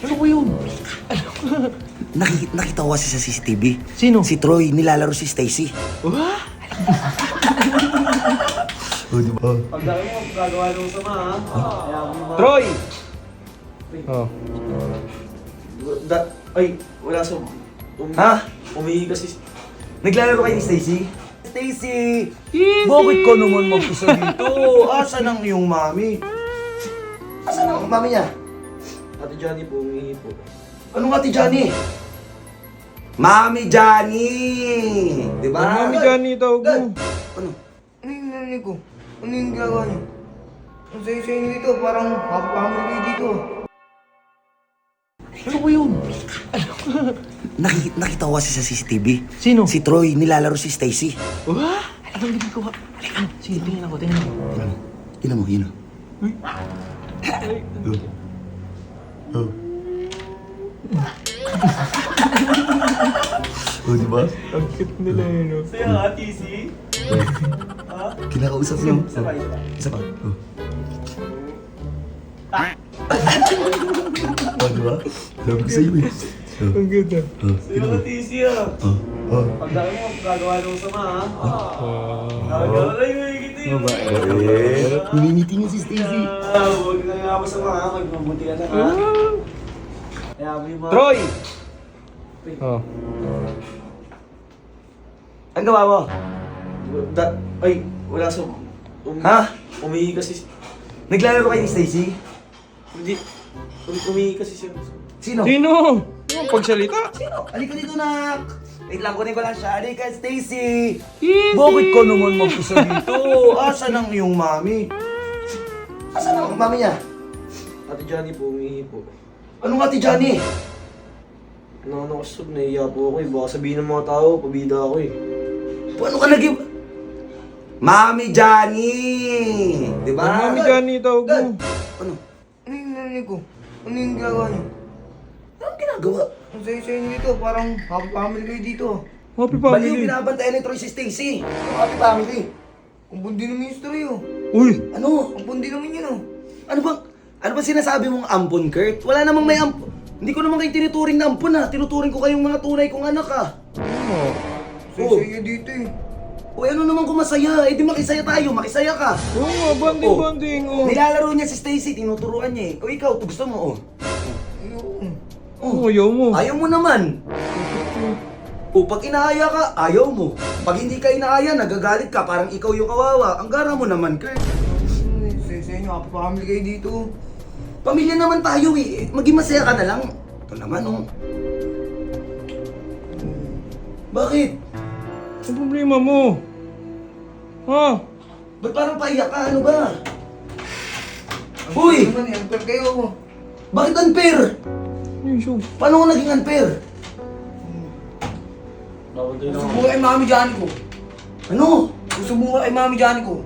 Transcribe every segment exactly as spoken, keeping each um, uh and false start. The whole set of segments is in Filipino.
Ano ba yun? Nakikita, nakita ko kasi sa C C T V. Sino? Si Troy, nilalaro si Stacy. Wah? Oh, di ba? Pagdaki mo, gagawa ng sama ha. Kaya mo mga... Troy! Oh. Da... Ay, wala sa... Um... Ha? Umihi kasi... Naglalaro kayo ni Stacy? Stacy! Easy! Bakit ka naman mag-isa dito? Asan ang iyong mami? Asan ang mami niya? Ate Johnny po, umihi po. Anong ati Johnny? Mami Johnny! Di ba? Ang mami Johnny tawag mo. Ano? Ano yung narinig ko? Ano yung ginagawa niyo? Ang sayo-sayo niyo dito, parang happy-family kayo dito. Ano ba yun? Nakikita, nakita ko kasi sa C C T V. Sino? Si Troy, nilalaro si Stacy. Wah? Anong ginagawa? Halika. Sige, tingnan ako, tingnan ako. Tingnan mo. Tingnan mo, yun o. Oh. Oh, di ba? Ang cute nila yun, no? Sa'yo ha, T C? Kinakausap mo. Isa pa, isa pa. Isa pa. Oh. Oh, di ba? Sabi ko sa'yo eh. Oh. Ang ganda. Oh. Sa'yo ha, T C ha. Oh. Oh. Pagdaki mo, gagawa ng sama ha. Wow. Gagawa na yung higit eh. Eh, Humingiti niya si Stacy. Ah, huwag na nga masama ha. Magmabuti ka na ha. Kaya mo yung mga... Troy! Oh. Ang gawa mo? Da... Ay, wala sa... Um... Ha? Umihi kasi... Naglalaro kayo ni Stacy? Hindi... Um, umihi kasi siya. Sino? Sino? Ano pagsalita? Sino? Halika dito, nak! Wait lang, kunin ko lang siya. Halika, Stacy! Easy! Bakit ka naman mag-isa dito? Asan ang iyong mami? Asan ang mami niya? Ate Johnny po, umihi po. Anong ati Johnny? Ano, ano kasi sub, nahiya po ako eh. Baka sabihin ng mga tao, pabida ako eh. Paano ka nag- Mami Johnny! Di ba? Ang mami Johnny tawag mo. Ano? Ano yung narinig ko? Ano yung ginagawa niyo? Anong ginagawa? Ang sayo-sayo niyo dito, parang happy-family kayo dito. Happy Baliw, family. binabantayan ni Troy si Stacy. Ang happy family. Ang bundi naman yung story oh. Uy! Ano? Ang bundi naman yun oh. Ano bang, ano ba sinasabi mong ampon, Kurt? Wala namang may ampon. Hindi ko naman kayo tinuturing na ampon ha. Tinuturing ko kayong mga tunay kong anak ha. Ano? Sayo-sayo niyo dito eh. O ano naman kung masaya? Eh di makisaya tayo, makisaya ka. Oo nga, banding-banding. Oh. Nilalaro niya si Stacy, tinuturuan niya eh. O ikaw, gusto mo oh. Ayun. Oh, ayaw mo. Ayaw mo naman. O pag inaaya ka, ayaw mo. Pag hindi ka inaaya, nagagalit ka, parang ikaw yung kawawa. Ang gara mo naman, Kurt. Sayo-sayo niyo, happy-family kayo dito. Pamilya naman tayo eh. Maging masaya ka na lang. Ito naman oh. Bakit? Ang problema mo? Ha? Ba't parang paiyak ka? Ano ba? Ang Uy! naman eh, unfair kayo. Bakit unfair? Yung show. Paano ko naging unfair? Babantay na ako. Susubukan kay Mami Johnny ko. Ano? Susubukan kay Mami Johnny ko.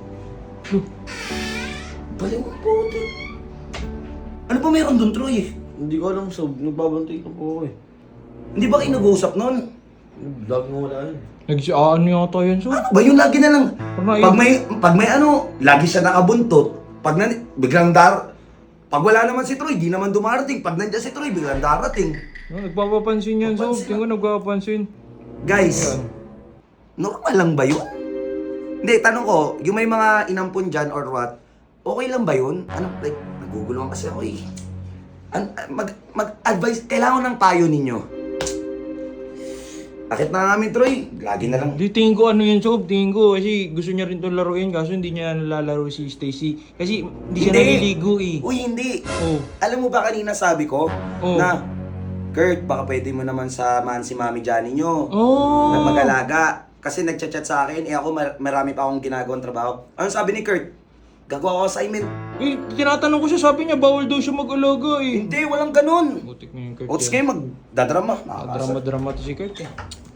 Baliw ang puti. Ano pa meron dun, Troy? Hindi ko alam sub, nagbabantay na po ako eh. Hindi ba kayo nag-uusap nun? Lagi mo wala yun. Nag-ano yata yun, so? Ano ba yun? Lagi na lang. Parang Pag may, pag may ano, lagi siya nakabuntot. Pag na, biglang dar... Pag wala naman si Troy, di naman dumarating. Pag nandiyan si Troy, biglang darating. No, nagpapapansin yan, so. Papansin Tingnan ko nagpapapansin. Guys, Ayan. normal lang ba yun? Hindi, tanong ko, yung may mga inampun dyan or what, okay lang ba yun? Ano, like, naguguluhan kasi ako eh. An- mag, mag-advise, kailangan ng payo ninyo. Akit na namin, Troy. Lagi na lang. Di tingin ko ano yun, Sob. Tingin ko kasi gusto niya rin itong laruin kaso hindi niya nalalaro si Stacy. Kasi hindi siya naliligo eh. Uy, hindi. Oh. Alam mo ba kanina sabi ko Oh. na, Kurt, baka pwede mo naman samahan si Mami Johnny nyo. Oh. Na mag-alaga. Kasi nagchat-chat sa akin, eh ako mar- marami pa akong ginagawang trabaho. Ano sabi ni Kurt? Gagawa ko assignment. Eh, tinatanong ko siya, sabi niya bawal daw siya mag-alaga eh. Hindi, walang ganun. Butik na yung Kurt. Ots yan. kayo magdadrama. Drama-drama to si Kurt eh.